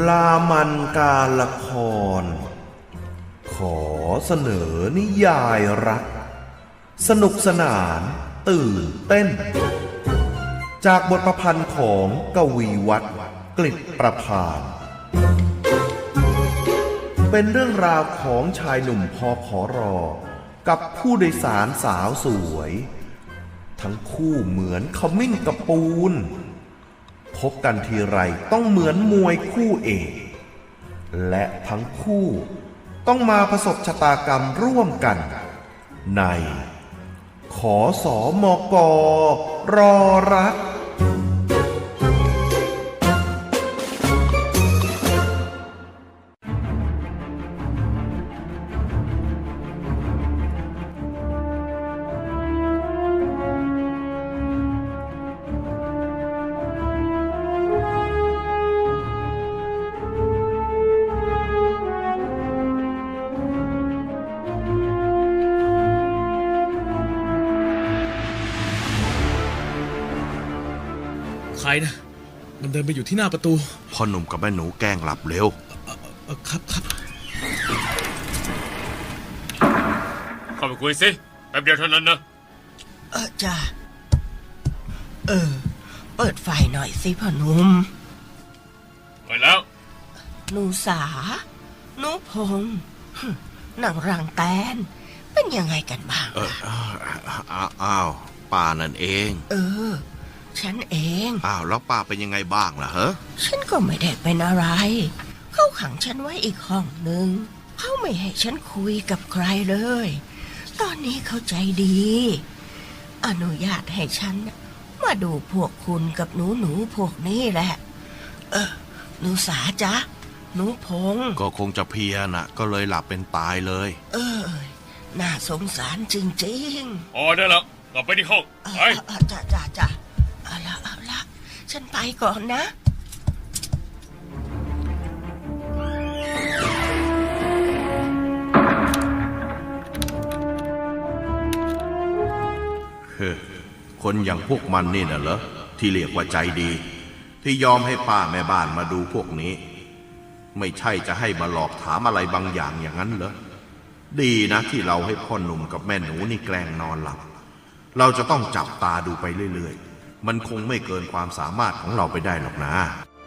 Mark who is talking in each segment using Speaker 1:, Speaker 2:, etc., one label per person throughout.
Speaker 1: ลามันการละครขอเสนอนิยายรักสนุกสนานตื่นเต้นจากบทประพันธ์ของกวีวัฒน์กฤษประภาสเป็นเรื่องราวของชายหนุ่มพขร.กับผู้โดยสารสาวสวยทั้งคู่เหมือนขมิ้นกับปูนพบกันทีไรต้องเหมือนมวยคู่เอกและทั้งคู่ต้องมาประสบชะตากรรมร่วมกันในขอสมก.รอรัก
Speaker 2: ใครนะมันเดินไปอยู่ที่หน้าประตู
Speaker 3: พ่อหนุ่มกับแม่หนูแกล้งหลับเร็ว
Speaker 2: ครับ
Speaker 4: เข้าไปคุยสิแป๊บเดียวเท่านั้นนะ
Speaker 5: จ้าเปิดไฟหน่อยสิพ่อหนุ่ม
Speaker 4: ไปแล้ว
Speaker 5: หนูสาหนูพงษ์นางรังแตนเป็นยังไงกันบ้าง
Speaker 3: อ้าวป้านั่นเอง
Speaker 5: ฉันเอง
Speaker 3: อ้าวแล้วป้าเป็นยังไงบ้างล่ะ
Speaker 5: ฉันก็ไม่ได้เป็นอะไรเขาขังฉันไว้อีกห้องหนึ่งเขาไม่ให้ฉันคุยกับใครเลยตอนนี้เขาใจดีอนุญาตให้ฉันมาดูพวกคุณกับหนูพวกนี้แหละหนูสาจ๊ะหนูพงษ์
Speaker 3: ก็คงจะเพลียน่ะก็เลยหลับเป็นตายเลย
Speaker 5: น่าสงสารจริง
Speaker 4: ๆได้แล้วกลับไปที่ห้องไป
Speaker 5: จ้ะเอาละฉันไปก่อนนะ
Speaker 3: คนอย่างพวกมันนี่น่ะเหรอที่เรียกว่าใจดีที่ยอมให้ป้าแม่บ้านมาดูพวกนี้ไม่ใช่จะให้มาหลอกถามอะไรบางอย่างอย่างนั้นเหรอดีนะที่เราให้พ่อหนุ่มกับแม่หนูนี่แกล้งนอนหลับเราจะต้องจับตาดูไปเรื่อยๆมันคงไม่เกินความสามารถของเราไปได้หรอกนะ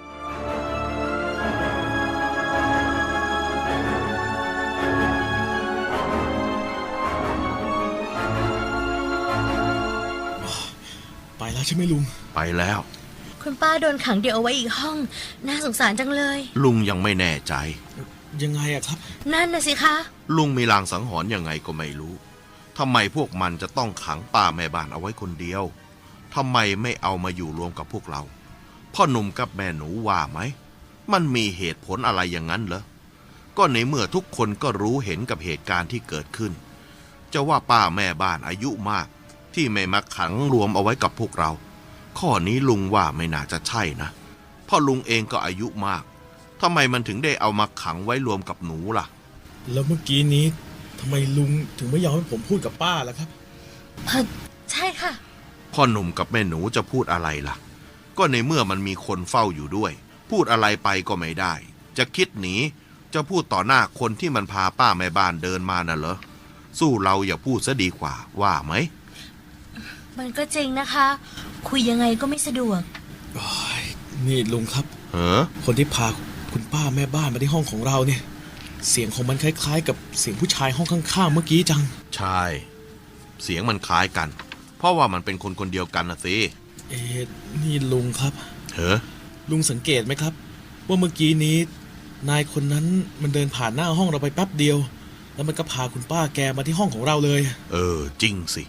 Speaker 2: ไปแล้วใช่ไหมลุง
Speaker 3: ไปแล้ว
Speaker 6: คุณป้าโดนขังเดี่ยวเอาไว้อีกห้องน่าสงสารจังเลย
Speaker 3: ลุงยังไม่แน่ใจ
Speaker 2: ยังไงอะครับ
Speaker 6: นั่นน่ะสิคะ
Speaker 3: ลุงมีลางสังหรณ์ยังไงก็ไม่รู้ทำไมพวกมันจะต้องขังป้าแม่บ้านเอาไว้คนเดียวทำไมไม่เอามาอยู่รวมกับพวกเราพ่อหนุ่มกับแม่หนูว่าไหมมันมีเหตุผลอะไรอย่างนั้นเหรอก็ในเมื่อทุกคนก็รู้เห็นกับเหตุการณ์ที่เกิดขึ้นจะว่าป้าแม่บ้านอายุมากที่ไม่มาขังรวมเอาไว้กับพวกเราข้อนี้ลุงว่าไม่น่าจะใช่นะเพราะลุงเองก็อายุมากทำไมมันถึงได้เอามาขังไว้รวมกับหนูล่ะ
Speaker 2: แล้วเมื่อกี้นี้ทำไมลุงถึงไม่ยอมให้ผมพูดกับป้าล่ะครับ
Speaker 6: ใช่ค่ะ
Speaker 3: พ่อหนุ่มกับแม่หนูจะพูดอะไรล่ะก็ในเมื่อมันมีคนเฝ้าอยู่ด้วยพูดอะไรไปก็ไม่ได้จะคิดหนีจะพูดต่อหน้าคนที่มันพาป้าแม่บ้านเดินมาน่ะเหรอสู้เราอย่าพูดซะดีกว่าว่าไหม
Speaker 6: มันก็จริงนะคะคุยยังไงก็ไม่สะดวก
Speaker 2: นี่ลุงครับคนที่พาคุณป้าแม่บ้านมาที่ห้องของเราเนี่ยเสียงของมันคล้ายๆกับเสียงผู้ชายห้องข้างๆเมื่อกี้จัง
Speaker 3: ใช่เสียงมันคล้ายกันเพราะว่ามันเป็นคนเดียวกันนะสิ
Speaker 2: นี่ลุงครับลุงสังเกตไหมครับว่าเมื่อกี้นี้นายคนนั้นมันเดินผ่านหน้าห้องเราไปแป๊บเดียวแล้วมันก็พาคุณป้าแกมาที่ห้องของเราเลย
Speaker 3: จริงสิ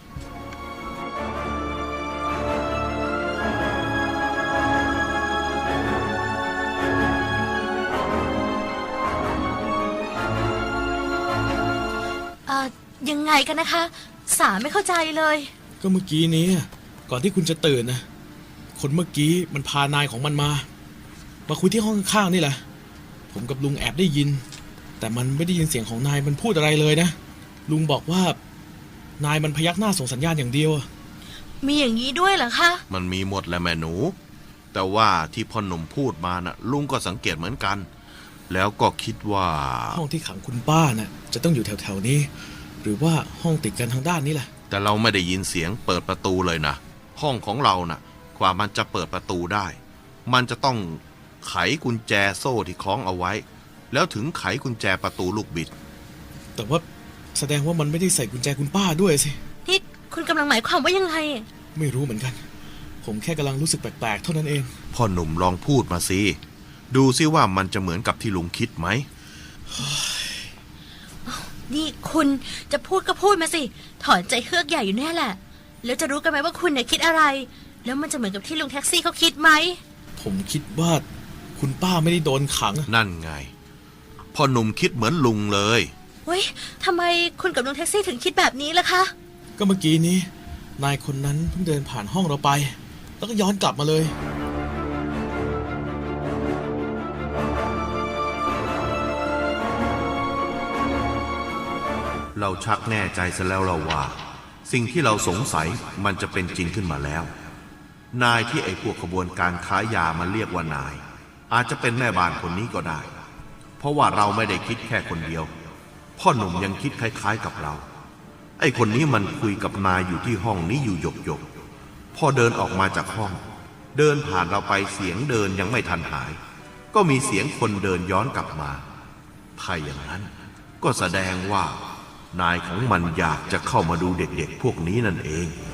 Speaker 6: ยังไงกันนะคะสาไม่เข้าใจเลย
Speaker 2: ก็เมื่อกี้นี้ก่อนที่คุณจะตื่นนะคนเมื่อกี้มันพานายของมันมาคุยที่ห้องข้างๆนี่แหละผมกับลุงแอบได้ยินแต่มันไม่ได้ยินเสียงของนายมันพูดอะไรเลยนะลุงบอกว่านายมันพยักหน้าส่งสัญญาณอย่างเดียว
Speaker 6: มีอย่างนี้ด้วยเหรอคะ
Speaker 3: มันมีหมดแหละแม่หนูแต่ว่าที่พ่อหนุ่มพูดมาน่ะลุงก็สังเกตเหมือนกันแล้วก็คิดว่า
Speaker 2: ห้องที่ขังคุณป้าน่ะจะต้องอยู่แถวๆนี้ หรือว่าห้องติดกันทางด้านนี้แหละ
Speaker 3: แต่เราไม่ได้ยินเสียงเปิดประตูเลยนะห้องของเราน่ะกว่ามันจะเปิดประตูได้ มันจะต้องไขกุญแจโซ่ที่คล้องเอาไว้ แล้วถึงไขกุญแจประตูลูกบิด
Speaker 2: แต่ว่าแสดงว่ามันไม่ได้ใส่กุญแจคุณป้าด้วยสิ
Speaker 6: นี่คุณกำลังหมายความว่ายังไง
Speaker 2: ไม่รู้เหมือนกัน ผมแค่กำลังรู้สึกแปลกๆเท่านั้นเอง
Speaker 3: พ่อหนุ่มลองพูดมาสิดูซิว่ามันจะเหมือนกับที่ลุงคิดไหม
Speaker 6: นี่คุณจะพูดก็พูดมาสิ ถอนใจเฮือกใหญ่อยู่แน่แหละ แล้วจะรู้กันไหมว่าคุณเนี่ยคิดอะไร แล้วมันจะเหมือนกับที่ลุงแท็กซี่เขาคิดไหม
Speaker 2: ผมคิดว่าคุณป้าไม่ได้โดนขัง
Speaker 3: นั่นไงพ่อหนุ่มคิดเหมือนลุงเลย
Speaker 6: เฮ้ยทำไมคุณกับลุงแท็กซี่ถึงคิดแบบนี้ล่ะคะ
Speaker 2: ก็เมื่อกี้นี้ นายคนนั้นเพิ่งเดินผ่านห้องเราไป แล้วก็ย้อนกลับมาเลย
Speaker 3: เราชักแน่ใจซะแล้วเราว่า สิ่งที่เราสงสัยมันจะเป็นจริงขึ้นมาแล้ว นายที่ไอ้พวกขบวนการค้ายามันเรียกว่านาย อาจจะเป็นแม่บ้านคนนี้ก็ได้ เพราะว่าเราไม่ได้คิดแค่คนเดียวพ่อหนุ่มยังคิดคล้ายๆกับเรา ไอ้คนนี้มันคุยกับนายอยู่ที่ห้องนี้อยู่หยกๆพอเดินออกมาจากห้อง เดินผ่านเราไปเสียงเดินยังไม่ทันหาย ก็มีเสียงคนเดินย้อนกลับมาถ้าอย่างนั้นก็แสดงว่านายของมันอยากจะเข้ามาดูเด็กๆพวกนี้นั่นเอง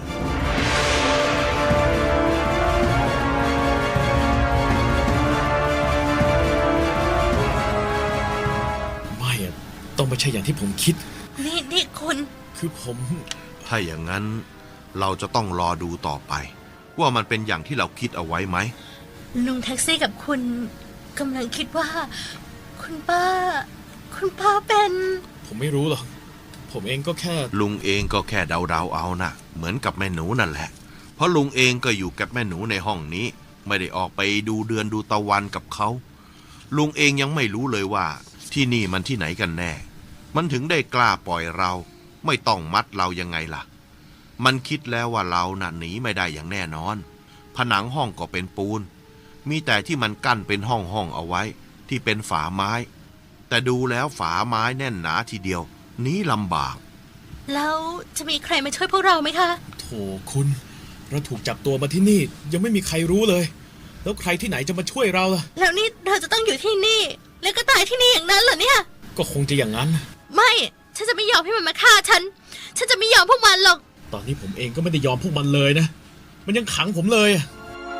Speaker 2: ไม่อะต้องไม่ใช่อย่างที่ผมคิด
Speaker 6: นี่คุณ
Speaker 2: คือผม
Speaker 3: ถ้าอย่างนั้นเราจะต้องรอดูต่อไป ว่ามันเป็นอย่างที่เราคิดเอาไว้ไหม
Speaker 6: ลุงแท็กซี่กับคุณกำลังคิดว่า คุณป้าเป็น
Speaker 2: ผมไม่รู้หรอก ผมเองก็แค่
Speaker 3: ลุงเองก็แค่เดาๆเอานะเหมือนกับแม่หนูนั่นแหละ เพราะลุงเองก็อยู่กับแม่หนูในห้องนี้ ไม่ได้ออกไปดูเดือนดูตะวันกับเขาลุงเองยังไม่รู้เลยว่าที่นี่มันที่ไหนกันแน่ มันถึงได้กล้าปล่อยเรา ไม่ต้องมัดเรายังไงล่ะ มันคิดแล้วว่าเราน่ะหนีไม่ได้อย่างแน่นอน ผนังห้องก็เป็นปูน มีแต่ที่มันกั้นเป็นห้องเอาไว้ ที่เป็นฝาไม้ แต่ดูแล้วฝาไม้แน่นหนาทีเดียวหนีลำบาก
Speaker 6: แล้วจะมีใครมาช่วยพวกเราไหมคะ
Speaker 2: โถคุณ เราถูกจับตัวมาที่นี่ ยังไม่มีใครรู้เลย แล้วใครที่ไหนจะมาช่วยเราล่ะ
Speaker 6: แล้วนี่เราจะต้องอยู่ที่นี่ แล้วก็ตายที่นี่อย่างนั้นเหรอเนี่ย
Speaker 2: ก็คงจะอย่างนั้น
Speaker 6: ไม่ ฉันจะไม่ยอมให้มันมาฆ่าฉัน ฉันจะไม่ยอมพวกมันหรอก
Speaker 2: ตอนนี้ผมเองก็ไม่ได้ยอมพวกมันเลยนะ มันยังขังผมเลยอะ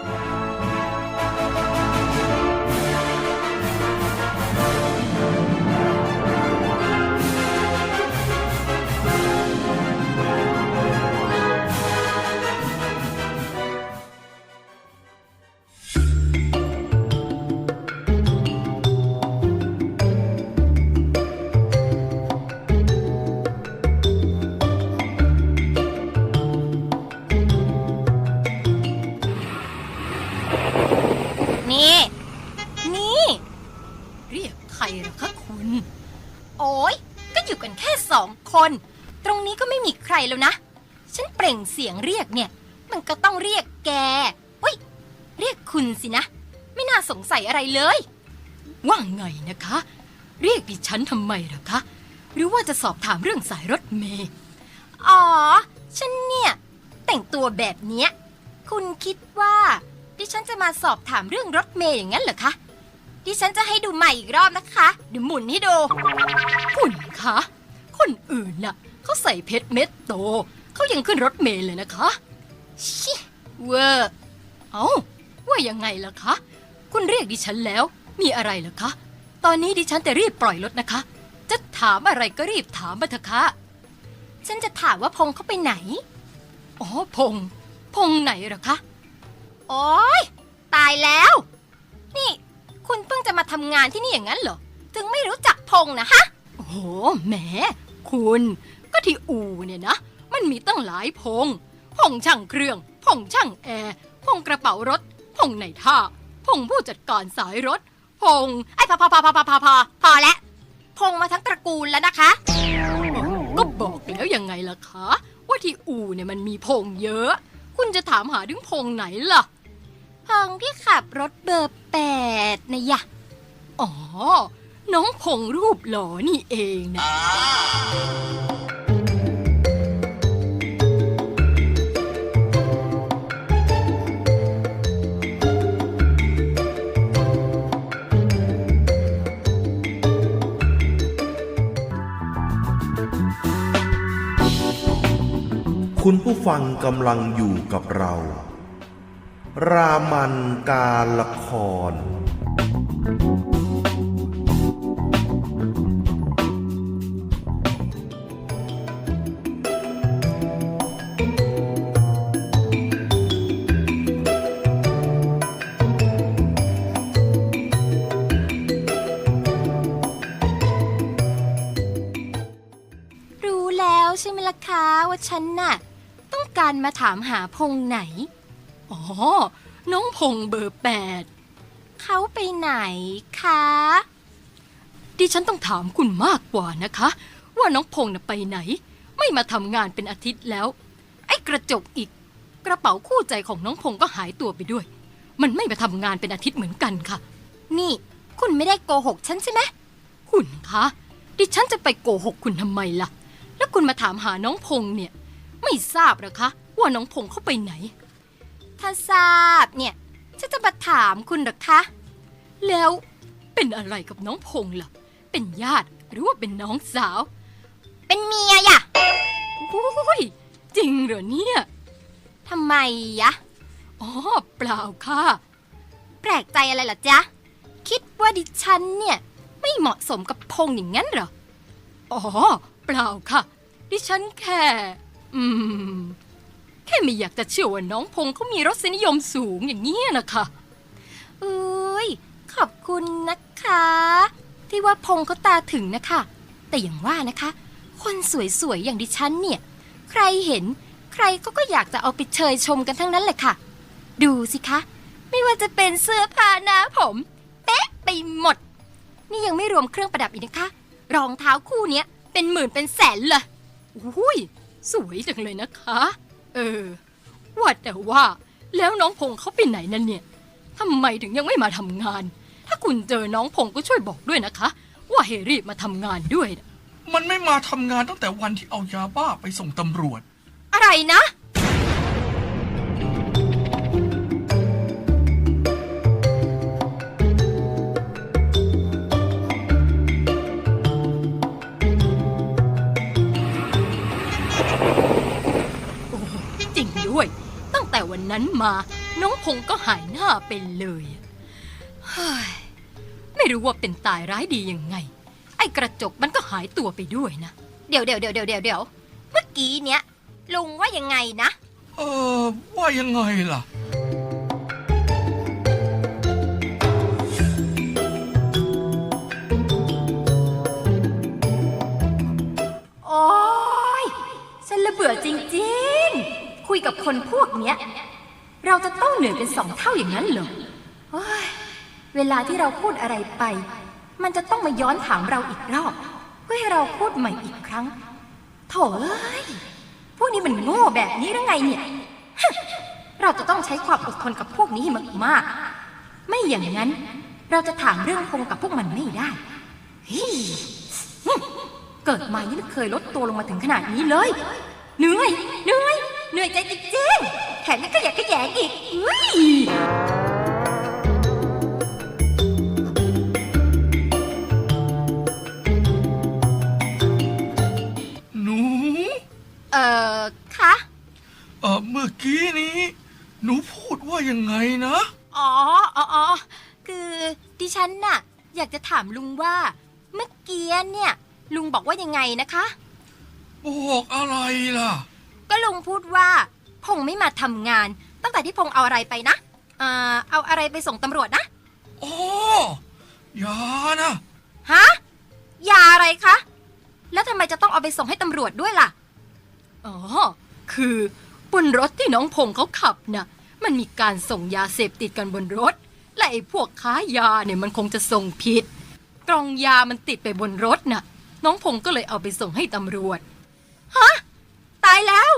Speaker 7: นี่ เรียกใครเหรอคะคุณ โอ้ยก็อยู่กันแค่2 คน ตรงนี้ก็ไม่มีใครแล้วนะ ฉันเปล่งเสียงเรียกเนี่ย มันก็ต้องเรียกแกเฮ้ย เรียกคุณสินะ ไม่น่าสงสัยอะไรเลย ว่าไงนะคะ เรียกดิฉันทำไมเหรอคะ หรือว่าจะสอบถามเรื่องสายรถเมล์อ๋อ ฉันเนี่ยแต่งตัวแบบเนี้ยคุณคิดว่าดิฉันจะมาสอบถามเรื่องรถเมล์อย่างนั้นเหรอคะ ดิฉันจะให้ดูใหม่อีกรอบนะคะเดี๋ยวหมุนให้ดูคุณคะคนอื่นน่ะเขาใส่เพชรเม็ดโตเขายังขึ้นรถเมล์เลยนะคะชิเวอร์เอ้าว่ายังไงล่ะคะคุณเรียกดิฉันแล้วมีอะไรล่ะคะตอนนี้ดิฉันแต่รีบปล่อยรถนะคะจะถามอะไรก็รีบถามมาเถอะค่ะฉันจะถามว่าพงเขาไปไหนอ๋อพงไหนเหรอคะโอ๊ยตายแล้วนี่คุณเพิ่งจะมาทำงานที่นี่อย่างนั้นเหรอถึงไม่รู้จักพงนะฮะโอ้โหแหมคุณก็ที่อู่เนี่ยนะมันมีตั้งหลายพงช่างเครื่องพงช่างแอร์พงกระเป๋ารถพงในท่าพงผู้จัดการสายรถพงไอ้พอแล้วพงมาทั้งตระกูลแล้วนะคะก็บอกแล้วยังไงล่ะคะว่าที่อู่เนี่ยมันมีพงเยอะคุณจะถามหาถึงพงไหนล่ะพงที่ขับรถเบอร์8นะยะอ๋อน้องพงรูปหล่อนี่เองนะ
Speaker 1: คุณผู้ฟังกำลังอยู่กับเรา รามันการละคร
Speaker 7: รู้แล้วใช่ไหมล่ะคะว่าฉันน่ะต้องการมาถามหาพงไหน อ๋อ น้องพงเบอร์ 8เขาไปไหนคะดิฉันต้องถามคุณมากกว่านะคะ ว่าน้องพงน่ะไปไหน ไม่มาทำงานเป็นอาทิตย์แล้ว ไอ้กระจกอีกกระเป๋าคู่ใจของน้องพงก็หายตัวไปด้วย มันไม่มาทำงานเป็นอาทิตย์เหมือนกันค่ะ นี่คุณไม่ได้โกหกฉันใช่ไหมคุณคะดิฉันจะไปโกหกคุณทำไมล่ะแล้วคุณมาถามหาน้องพงเนี่ยไม่ทราบหรอคะว่าน้องพงเขาไปไหนถ้าทราบเนี่ยฉันจะมาถามคุณหรอคะแล้วเป็นอะไรกับน้องพงล่ะเป็นญาติหรือว่าเป็นน้องสาวเป็นเมียย่ะโอ้ยจริงเหรอเนี่ยทำไมยะอ๋อเปล่าค่ะแปลกใจอะไรล่ะจ๊ะคิดว่าดิฉันเนี่ยไม่เหมาะสมกับพงอย่างนั้นเหรออ๋อเปล่าค่ะดิฉันแค่ไม่อยากจะเชื่อว่าน้องพงเขามีรสนิยมสูงอย่างนี้นะคะเอ้ยขอบคุณนะคะที่ว่าพงเขาตาถึงนะคะแต่อย่างว่านะคะคนสวยๆอย่างดิฉันเนี่ยใครเห็นใครเขาก็อยากจะเอาไปเชยชมกันทั้งนั้นเลยค่ะดูสิคะไม่ว่าจะเป็นเสื้อผ้าหน้าผมเป๊ะไปหมดนี่ยังไม่รวมเครื่องประดับอีกนะคะรองเท้าคู่เนี้ยเป็นหมื่นเป็นแสนเลยอุ้ยสวยจังเลยนะคะว่าแต่ว่าแล้วน้องพงเขาไปไหนนั่นเนี่ยทำไมถึงยังไม่มาทำงานถ้าคุณเจอน้องพงก็ช่วยบอกด้วยนะคะว่าให้รีบมาทำงานด้วยนะ
Speaker 8: มันไม่มาทำงานตั้งแต่วันที่เอายาบ้าไปส่งตำรวจ
Speaker 7: อะไรนะจริงด้วยตั้งแต่วันนั้นมาน้องพงก็หายหน้าไปเลยเฮ้ยไม่รู้ว่าเป็นตายร้ายดียังไงไอ้กระจกมันก็หายตัวไปด้วยนะเดี๋ยวเมื่อกี้เนี้ยลุงว่ายังไงนะ
Speaker 8: ว่ายังไงล่ะ
Speaker 7: โอ๊ยฉันละเบื่อจริงๆคุยกับคนพวกเนี้ยเราจะต้องเหนื่อยเป็น2 เท่าอย่างนั้นเหรอเวลาที่เราพูดอะไรไปมันจะต้องมาย้อนถามเราอีกรอบเพื่อให้เราพูดใหม่อีกครั้งโถ่เอ้ยพวกนี้มันโง่แบบนี้หรือไงเนี่ยเราจะต้องใช้ความอดทนกับพวกนี้มากๆไม่อย่างนั้นเราจะถามเรื่องพงกับพวกมันไม่ได้เกิดมายังไม่เคยลดตัวลงมาถึงขนาดนี้เลยเหนื่อยใจจริงๆแถมยังก็อยากขยงอีก
Speaker 8: หนู
Speaker 7: คะ
Speaker 8: เมื่อกี้นี้หนูพูดว่ายังไงนะ
Speaker 7: อ๋อคือดิฉันน่ะอยากจะถามลุงว่าเมื่อกี้เนี่ยลุงบอกว่ายังไงนะคะ
Speaker 8: บอกอะไรล่ะ
Speaker 7: ก็ลุงพูดว่าพงไม่มาทำงานตั้งแต่ที่พงเอาอะไรไปนะเอาอะไรไปส่งตำรวจนะ
Speaker 8: อ๋อยานะ
Speaker 7: ฮะยาอะไรคะแล้วทำไมจะต้องเอาไปส่งให้ตำรวจด้วยล่ะอ๋อคือบนรถที่น้องพงเขาขับน่ะมันมีการส่งยาเสพติดกันบนรถและไอ้พวกค้ายาเนี่ยมันคงจะส่งผิดกล่องยามันติดไปบนรถน่ะน้องพงก็เลยเอาไปส่งให้ตำรวจฮะตายแล้ว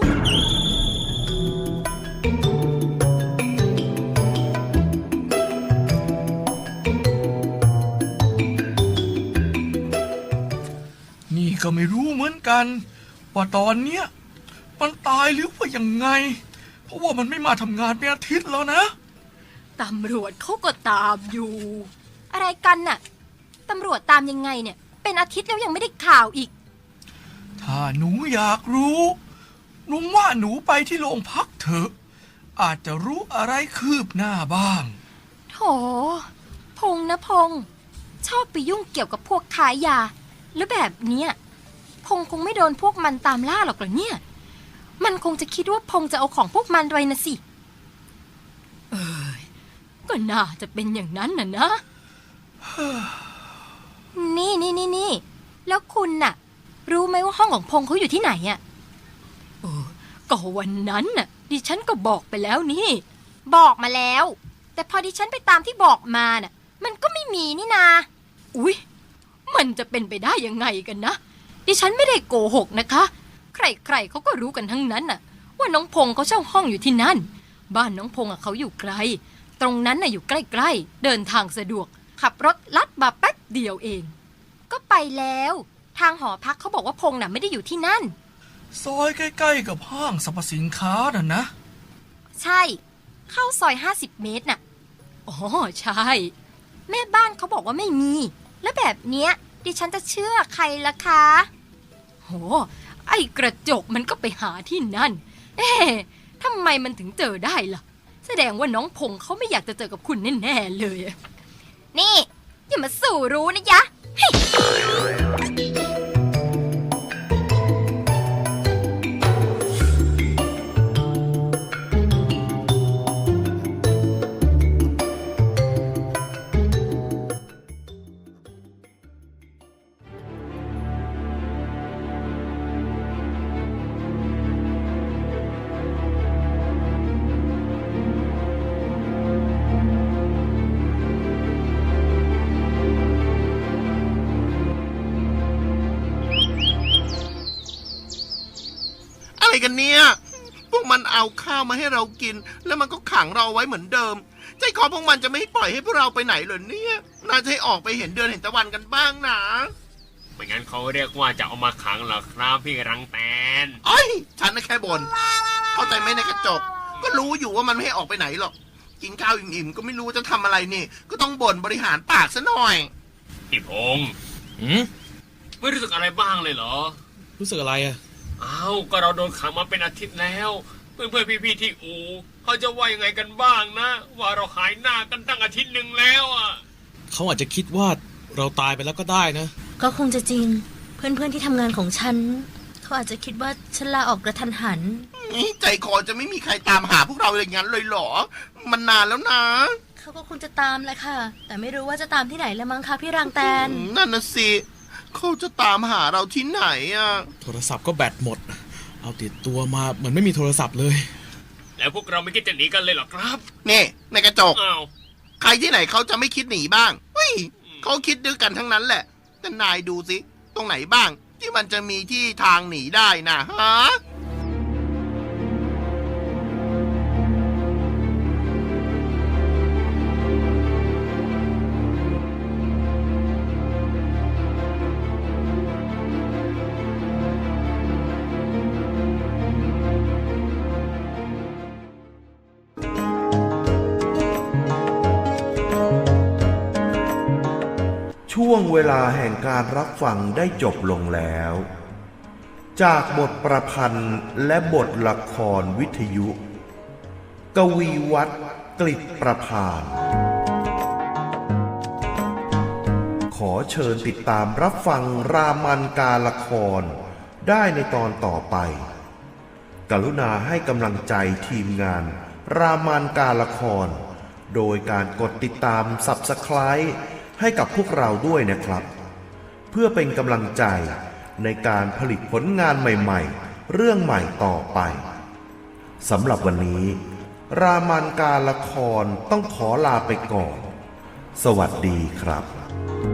Speaker 8: ก็ไม่รู้เหมือนกัน ว่าตอนเนี้ยมันตายหรือว่ายังไง เพราะว่ามันไม่มาทำงานเป็นอาทิตย์แล้วนะ
Speaker 7: ตำรวจเขาก็ตามอยู่ อะไรกันน่ะตำรวจตามยังไงเนี่ย เป็นอาทิตย์แล้วยังไม่ได้ข่าวอีก
Speaker 8: ถ้าหนูอยากรู้หนูว่าหนูไปที่โรงพักเถอะ อาจจะรู้อะไรคืบหน้าบ้าง
Speaker 7: โถพงษ์นะพงษ์ชอบไปยุ่งเกี่ยวกับพวกขายยา แล้วแบบเนี้ยพงษ์คงไม่โดนพวกมันตามล่าหรอกเหรอเนี่ย มันคงจะคิดว่าพงษ์จะเอาของพวกมันไปนะสิ ก็น่าจะเป็นอย่างนั้นน่ะนะ นี่แล้วคุณน่ะ รู้ไหมว่าห้องของพงษ์เขาอยู่ที่ไหนอ่ะก็วันนั้นน่ะดิฉันก็บอกไปแล้วนี่ บอกมาแล้ว แต่พอดิฉันไปตามที่บอกมาน่ะ มันก็ไม่มีนี่นาอุ๊ยมันจะเป็นไปได้ยังไงกันนะดิฉันไม่ได้โกหกนะคะ ใครๆเขาก็รู้กันทั้งนั้นน่ะ ว่าน้องพงษ์เขาเช่าห้องอยู่ที่นั่น บ้านน้องพงษ์เขาอยู่ไกล ตรงนั้นน่ะอยู่ใกล้ๆเดินทางสะดวก ขับรถลัดมาแป๊บเดียวเอง ก็ไปแล้วทางหอพักเขาบอกว่าพงษ์น่ะไม่ได้อยู่ที่นั่น
Speaker 8: ซอยใกล้ๆกับห้างสรรพสินค้าน่ะนะ
Speaker 7: ใช่ เข้าซอย50 เมตรน่ะอ๋อใช่แม่บ้านเขาบอกว่าไม่มี แล้วแบบเนี้ยดิฉันจะเชื่อใครล่ะคะโหไอ้กระจกมันก็ไปหาที่นั่นทำไมมันถึงเจอได้ล่ะแสดงว่าน้องพงษ์เขาไม่อยากจะเจอกับคุณแน่ๆเลยนี่อย่ามาสู่รู้นะยะ
Speaker 3: อะไรกันเนี่ยพวกมันเอาข้าวมาให้เรากินแล้วมันก็ขังเราไว้เหมือนเดิมใจคอพวกมันจะไม่ปล่อยให้พวกเราไปไหนเลยเนี่ยน่าจะให้ออกไปเห็นเดือนเห็นตะวันกันบ้างนะ
Speaker 4: ไม่งั้นเขาเรียกว่าจะเอามาขังเหรอครับพี่รังแตน
Speaker 3: เอ้ยฉันน่ะแค่บนเข้าใจไหมในกระจกก็รู้อยู่ว่ามันไม่ให้ออกไปไหนหรอกกินข้าวอิ่มๆก็ไม่รู้จะทำอะไรนี่ก็ต้องบ่นบริหารปากซะหน่อย
Speaker 4: พี่พงษ์ไม่รู้สึกอะไรบ้างเลยเหรอ
Speaker 2: รู้สึกอะไรอะ
Speaker 4: อ้าวก็เราโดนขังมาเป็นอาทิตย์แล้ว เพื่อนๆพี่ๆที่อู่เขาจะว่ายังไงกันบ้างนะ ว่าเราหายหน้ากันตั้งอาทิตย์หนึ่งแล้วอ่ะ
Speaker 2: เขาอาจจะคิดว่าเราตายไปแล้วก็ได้นะ
Speaker 6: ก็คงจะจริง เพื่อนๆที่ทำงานของฉันเขาอาจจะคิดว่าฉันลาออกกระทันหัน
Speaker 3: ใจคอจะไม่มีใครตามหาพวกเราอย่างนั้นเลยเหรอมันนานแล้วนะ
Speaker 6: เขาก็คงจะตามแหละค่ะ แต่ไม่รู้ว่าจะตามที่ไหนแล้วมั้งคะพี่รังแตน
Speaker 3: นั่นน่ะสิเขาจะตามหาเราที่ไหนอ่ะ
Speaker 2: โทรศัพท์ก็แบตหมด เอาติดตัวมาเหมือนไม่มีโทรศัพท์เลย
Speaker 4: แล้วพวกเราไม่คิดจะหนีกันเลยเหรอครับ
Speaker 3: นี่ในกระจก
Speaker 4: อ้าว
Speaker 3: ใครที่ไหนเขาจะไม่คิดหนีบ้างเฮ้ยเขาคิดด้วยกันทั้งนั้นแหละแต่นายดูสิตรงไหนบ้างที่มันจะมีที่ทางหนีได้นะฮะ
Speaker 1: ช่วงเวลาแห่งการรับฟังได้จบลงแล้ว จากบทประพันธ์และบทละครวิทยุ กวีวัตรกฤษประพาน ขอเชิญติดตามรับฟังรามันการละครได้ในตอนต่อไป กรุณาให้กำลังใจทีมงานรามันการละครโดยการกดติดตาม Subscribe ให้กับพวกเราด้วยนะครับ เพื่อเป็นกำลังใจในการผลิตผลงานใหม่ๆเรื่องใหม่ต่อไปสำหรับวันนี้รามันการละครต้องขอลาไปก่อนสวัสดีครับ